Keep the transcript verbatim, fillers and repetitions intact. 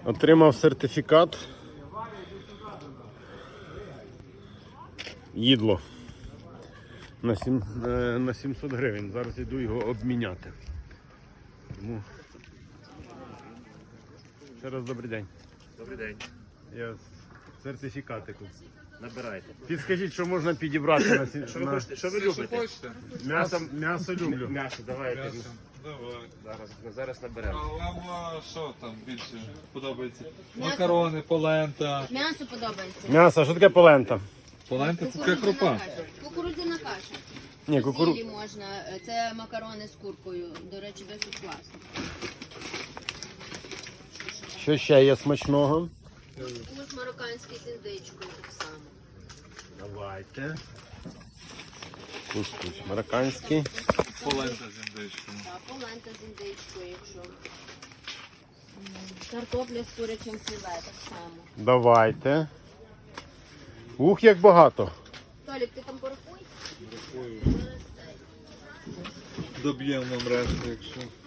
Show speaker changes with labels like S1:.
S1: Отримав сертифікат. Їдло. На, сім, на сімсот гривень. Зараз йду його обміняти. Тому... Ще раз добрий день.
S2: Добрий день.
S1: Я сертифікатику.
S2: Набирайте.
S1: Підскажіть, що можна підібрати на сім...
S2: Що ви
S1: на...
S2: хочете? Що ви любите?
S1: М'ясо, м'ясо люблю.
S2: М'ясо, давайте.
S3: М'ясо. Давай.
S2: Зараз, зараз наберемо.
S3: А вам що там більше подобається?
S4: М'ясо.
S3: Макарони, полента.
S4: М'ясо подобається.
S1: М'ясо, що таке полента?
S3: Полента це така крупа.
S4: каша. Кукурудзяна каша.
S1: Ні, кукуру...
S4: Сілі можна. Це макарони з куркою. До речі, досить класно.
S1: Що ще є смачного?
S4: Кус марокканський з індичкою так само.
S1: Давайте. Кускус марокканський.
S3: Полента з індичкою.
S4: Так, полента з індичкою, якщо. Картопля з курячим філе так само.
S1: Давайте. Ух, як багато.
S4: Толік, ти там порахуй?
S3: Доб'ємо нам решту, якщо.